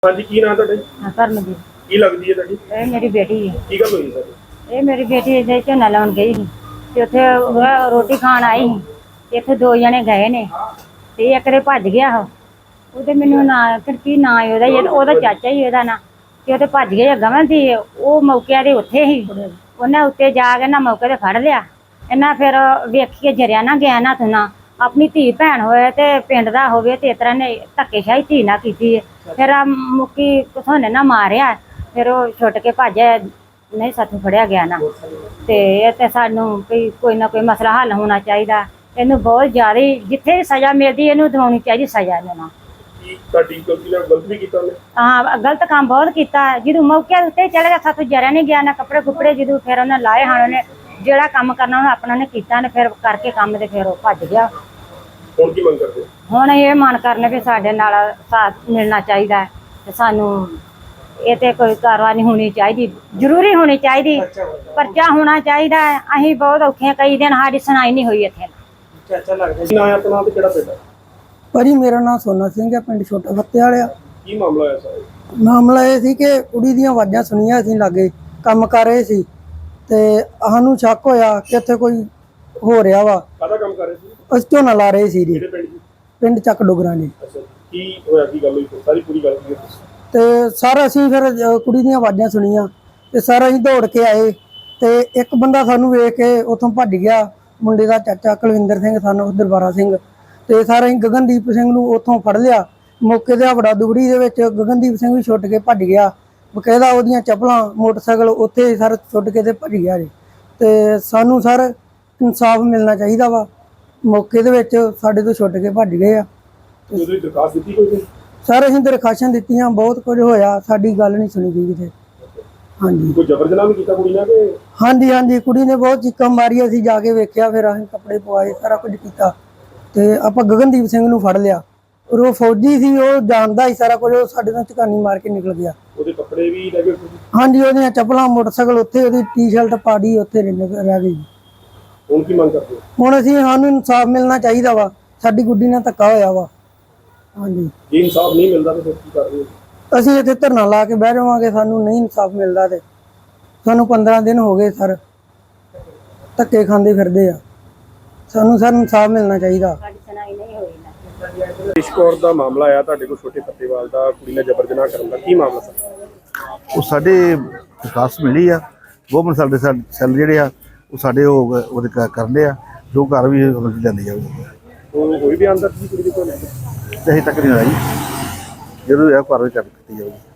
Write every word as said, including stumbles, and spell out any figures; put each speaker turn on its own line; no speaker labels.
हाँ जी, की नाम है
हाँ करमजीत
की लगदी है ਤੁਹਾਡੀ
ਇਹ ਮੇਰੀ ਬੇਟੀ ਹੈ।
ਕੀ ਗੱਲ ਹੋਈ ਸਰ?
ਇਹ ਮੇਰੀ ਬੇਟੀ ਇਹਦੇ ਝੋਨਾ ਲਾਉਣ ਗਈ ਸੀ ਤੇ ਉੱਥੇ ਉਹ ਰੋਟੀ ਖਾਣ ਆਈ ਸੀ। ਇੱਥੇ ਦੋ ਜਣੇ ਗਏ ਨੇ ਤੇ ਇੱਕ ਦੇ ਭੱਜ ਗਿਆ ਉਹ ਉਹਦੇ ਮੈਨੂੰ ਨਾ ਕੀ ਨਾਂ ਹੈ ਉਹਦਾ ਜਿਹੜਾ ਉਹਦਾ ਚਾਚਾ ਹੀ ਉਹਦਾ ਨਾਂ ਤੇ ਉਹ ਤੇ ਭੱਜ ਗਿਆ ਗਵਨ ਸੀ ਉਹ ਮੌਕੇ ਦੇ ਉੱਥੇ ਹੀ ਉਹਨੇ ਉੱਤੇ ਜਾ ਕੇ ਨਾ ਮੌਕੇ ਤੇ ਫੜ ਲਿਆ। ਇਹਨਾਂ ਫਿਰ ਵੇਖੀਏ ਜਰਿਆ ਨਾ ਗਿਆ ਨਾ ਤੂੰ ਨਾ ਆਪਣੀ ਧੀ ਭੈਣ ਹੋਏ ਤੇ ਪਿੰਡ ਦਾ ਹੋਵੇ ਤੇ ਇਸ ਤਰ੍ਹਾਂ ਨੇ ਧੱਕੇਸ਼ਾਹੀ ਧੀ ਨਾ ਕੀਤੀ ਫਿਰ ਆ ਮੁੱਕੀ ਕਿਥੋਂ ਨੇ ਨਾ ਮਾਰਿਆ ਫਿਰ ਉਹ ਛੁੱਟ ਕੇ ਭੱਜਿਆ ਨਹੀਂ ਸਾਥੋਂ ਫੜਿਆ ਗਿਆ ਨਾ ਤੇ ਇਹ ਤੇ ਸਾਨੂੰ ਵੀ ਕੋਈ ਨਾ ਕੋਈ ਮਸਲਾ ਹੱਲ ਹੋਣਾ ਚਾਹੀਦਾ। ਇਹਨੂੰ ਬਹੁਤ ਜ਼ਿਆਦਾ ਜਿੱਥੇ ਵੀ ਸਜ਼ਾ ਮਿਲਦੀ ਇਹਨੂੰ ਦਿਵਾਉਣੀ ਚਾਹੀਦੀ ਸਜ਼ਾ ਇਹਨੂੰ ਨਾ
ਤੁਹਾਡੀ ਗਲਤੀ ਨਾਲ ਗਲਤ ਵੀ ਕੀਤਾ ਉਹਨੇ?
ਹਾਂ ਗਲਤ ਕੰਮ ਬਹੁਤ ਕੀਤਾ ਜਦੋਂ ਮੌਕੇ ਉੱਤੇ ਚਲੇ ਗਿਆ ਸਾਥੋਂ ਜਰਿਆ ਨਹੀਂ ਗਿਆ ਨਾ ਕੱਪੜੇ ਕੁੱਪੜੇ ਜਦੋਂ ਫਿਰ ਉਹਨੇ ਲਾਏ ਹਨ ਉਹਨੇ ਜਿਹੜਾ ਕੰਮ ਕਰਨਾ ਉਹਨੇ ਆਪਣਾ ਨੇ ਕੀਤਾ ਨੇ ਫਿਰ ਕਰਕੇ ਕੰਮ ਤੇ ਫਿਰ ਉਹ ਭੱਜ ਗਿਆ।
ਹੁਣ ਕੀ ਮੰਗ ਕਰਦੇ?
ਹੁਣ ਇਹ ਮਨ ਕਰਨੇ ਵੀ ਸਾਡੇ ਨਾਲ ਸਾਥ ਮਿਲਣਾ ਚਾਹੀਦਾ ਤੇ ਸਾਨੂੰ ਇਹ ਤੇ ਕੋਈ ਕਾਰਵਾਈ ਹੋਣੀ ਚਾਹੀਦੀ ਜ਼ਰੂਰੀ ਹੋਣੀ ਚਾਹੀਦੀ ਪਰਚਾ ਹੋਣਾ ਚਾਹੀਦਾ। ਅਸੀਂ ਬਹੁਤ ਔਖੇ ਕਈ ਦਿਨ ਸਾਡੀ ਸੁਣਾਈ ਨਹੀਂ ਹੋਈ ਇੱਥੇ।
ਚਾਚਾ ਲੱਗਦਾ ਕੀ ਨਾਮ ਹੈ ਆਪਣਾ ਤੇ ਕਿਹੜਾ ਪਿੰਡ ਹੈ?
ਭਾਜੀ ਮੇਰਾ ਨਾਮ ਸੋਨਾ ਸਿੰਘ ਹੈ, ਪਿੰਡ ਛੋਟਾ ਫੱਤੇ ਵਾਲਿਆ।
ਕੀ ਮਾਮਲਾ ਹੋਇਆ ਸਰ?
ਮਾਮਲਾ ਇਹ ਸੀ ਕਿ ਕੁੜੀ ਦੀਆਂ ਆਵਾਜ਼ਾਂ ਸੁਣੀਆਂ ਅਸੀਂ ਲਾਗੇ ਕੰਮ ਕਰ ਰਹੇ ਸੀ ਤੇ ਸਾਨੂੰ ਸ਼ੱਕ ਹੋਇਆ ਕਿ ਇੱਥੇ ਕੋਈ ਹੋ ਰਿਹਾ ਵਾ।
ਕਾਹਦਾ ਕੰਮ ਕਰ ਰਹੇ ਸੀ?
ਅਸੀਂ ਝੋਨਾ ਲਾ ਰਹੇ ਸੀ ਜੀ
ਕਿਹੜੇ ਪਿੰਡ ਦੀ?
ਪਿੰਡ ਚੱਕ ਡੋਗਰਾਂ ਨੇ।
ਅੱਛਾ, ਕੀ ਹੋਇਆ ਕੀ ਗੱਲ ਹੋਈ ਸਾਰੀ ਪੂਰੀ ਗੱਲ ਕੀ?
ਤੇ ਸਰ ਅਸੀਂ ਫਿਰ ਅ, ਕੁੜੀ ਦੀਆਂ ਆਵਾਜ਼ਾਂ ਸੁਣੀਆਂ ਤੇ ਸਰ ਅਸੀਂ ਦੌੜ ਕੇ ਆਏ ਤੇ ਇੱਕ ਬੰਦਾ ਸਾਨੂੰ ਵੇਖ ਕੇ ਉੱਥੋਂ ਭੱਜ ਗਿਆ, ਮੁੰਡੇ ਦਾ ਚਾਚਾ ਕੁਲਵਿੰਦਰ ਸਿੰਘ ਸਾਨੂੰ ਦਰਬਾਰਾ ਸਿੰਘ ਤੇ ਸਰ ਅਸੀਂ ਗਗਨਦੀਪ ਸਿੰਘ ਨੂੰ ਉੱਥੋਂ ਫੜ ਲਿਆ। ਮੌਕੇ ਤੇ ਹਵੜਾ ਦੁਗੜੀ ਦੇ ਵਿੱਚ ਗਗਨਦੀਪ ਸਿੰਘ ਵੀ ਛੁੱਟ ਕੇ ਭੱਜ ਗਿਆ। ਬਕਾਇਦਾ ਉਹਦੀਆਂ ਚੱਪਲਾਂ ਮੋਟਰਸਾਈਕਲ ਉੱਥੇ ਸਰ ਛੁੱਟ ਕੇ ਤੇ ਭੱਜ ਗਿਆ ਜੀ। ਤੇ ਸਾਨੂੰ ਸਰ ਇਨਸਾਫ ਮਿਲਣਾ ਚਾਹੀਦਾ ਵਾ। ਮੌਕੇ ਦੇ ਵਿੱਚ ਸਾਡੇ ਤੋਂ ਛੁੱਟ ਕੇ ਭੱਜ ਗਏ ਆ।
ਉਹਦੀ ਦਰਖਾਸਤ ਦਿੱਤੀ ਕੋਈ?
ਸਰ ਅਸੀਂ ਦਰਖਾਸ਼ਾਂ ਦਿੱਤੀਆਂ, ਬਹੁਤ ਕੁਝ ਹੋਇਆ, ਸਾਡੀ ਗੱਲ ਨਹੀਂ ਸੁਣੀ ਗਈ ਕਿਤੇ। ਹਾਂਜੀ
ਕੋਈ ਜ਼ਬਰ ਜਨਾਹ ਵੀ ਕੀਤਾ ਕੁੜੀ ਨਾਲ ਕਿ?
ਹਾਂਜੀ ਹਾਂਜੀ ਕੁੜੀ ਨੇ ਬਹੁਤ ਚੀਕਾਂ ਮਾਰੀਆਂ, ਅਸੀਂ ਜਾ ਕੇ ਵੇਖਿਆ, ਫਿਰ ਅਸੀਂ ਕੱਪੜੇ ਪਵਾਏ, ਸਾਰਾ ਕੁਝ ਕੀਤਾ ਤੇ ਆਪਾਂ ਗਗਨਦੀਪ ਸਿੰਘ ਨੂੰ ਫੜ ਲਿਆ। ਔਰ ਉਹ ਫੌਜੀ ਸੀ, ਉਹ ਜਾਣਦਾ ਹੀ ਸਾਰਾ ਕੁਝ, ਉਹ ਸਾਡੇ ਨਾਲ ਝਕਾਨੀ ਮਾਰ ਕੇ ਨਿਕਲ ਗਿਆ।
ਉਹਦੇ ਕੱਪੜੇ ਵੀ ਲੈ ਗਏ?
ਹਾਂਜੀ ਉਹਦੀਆਂ ਚੱਪਲਾਂ ਮੋਟਰਸਾਈਕਲ ਉੱਥੇ, ਉਹਦੀ ਟੀ-ਸ਼ਰਟ ਪਾੜੀ ਉੱਥੇ ਰਹਿ ਗਈ।
ਹੁਣ ਕੀ ਮੰਗ ਕਰਦੇ?
ਹੁਣ ਅਸੀਂ ਸਾਨੂੰ ਇਨਸਾਫ ਮਿਲਣਾ ਚਾਹੀਦਾ ਵਾ, ਸਾਡੀ ਗੁੱਡੀ ਨਾਲ ਧੱਕਾ ਹੋਇਆ ਵਾ। ਹਾਂਜੀ
ਜੇ ਇਨਸਾਫ ਨਹੀਂ ਮਿਲਦਾ ਤਾਂ ਫਿਰ ਕੀ ਕਰ ਰਹੇ ਹੋ?
ਅਸੀਂ ਇੱਥੇ ਧਰਨਾ ਲਾ ਕੇ ਬਹਿ ਜਾਵਾਂਗੇ, ਸਾਨੂੰ ਨਹੀਂ ਇਨਸਾਫ ਮਿਲਦਾ ਤੇ ਸਾਨੂੰ ਪੰਦਰਾਂ ਦਿਨ ਹੋ ਗਏ ਸਰ ਧੱਕੇ ਖਾਂਦੇ ਫਿਰਦੇ ਆ। ਸਾਨੂੰ ਸਰ ਇਨਸਾਫ ਮਿਲਣਾ ਚਾਹੀਦਾ।
ਸਾਡੀ ਸੁਣਾਈ ਨਹੀਂ ਹੋਈ ਨਾ
ਰਿਸ਼ ਕੌਰ ਦਾ ਮਾਮਲਾ ਆਇਆ ਤੁਹਾਡੇ ਕੋਲ, ਛੋਟੇ ਫੱਤੇਵਾਲ ਦਾ, ਕੁੜੀ ਨਾਲ ਜ਼ਬਰ ਜਨਾਹ ਕਰਨ ਦਾ, ਕੀ ਮਾਮਲਾ ਸਰ?
ਉਹ ਸਾਡੇ ਵਿਕਾਸ ਮਿਲੀ ਆ ਗਵਰਨਮੈਂਟ ਸਾਡੇ ਸੈੱਲ ਜਿਹੜੇ ਆ ਉਹ ਸਾਡੇ ਉਹ ਉਹਦੇ ਕਰਦੇ ਆ ਜੋ ਘਰ ਵੀ ਜਾਂਦੀ ਜਾਊਗੀ।
ਉਹ ਕੋਈ ਬਿਆਨ ਦਰਜ ਕੁੜੀ ਦੇ ਕੋਲ?
ਤੇ ਅਜੇ ਤੱਕ ਨਹੀਂ ਹੋਇਆ ਜੀ, ਜਦੋਂ ਇਹ ਘਰ ਵਿੱਚ ਕੀਤੀ ਜਾਊਗੀ।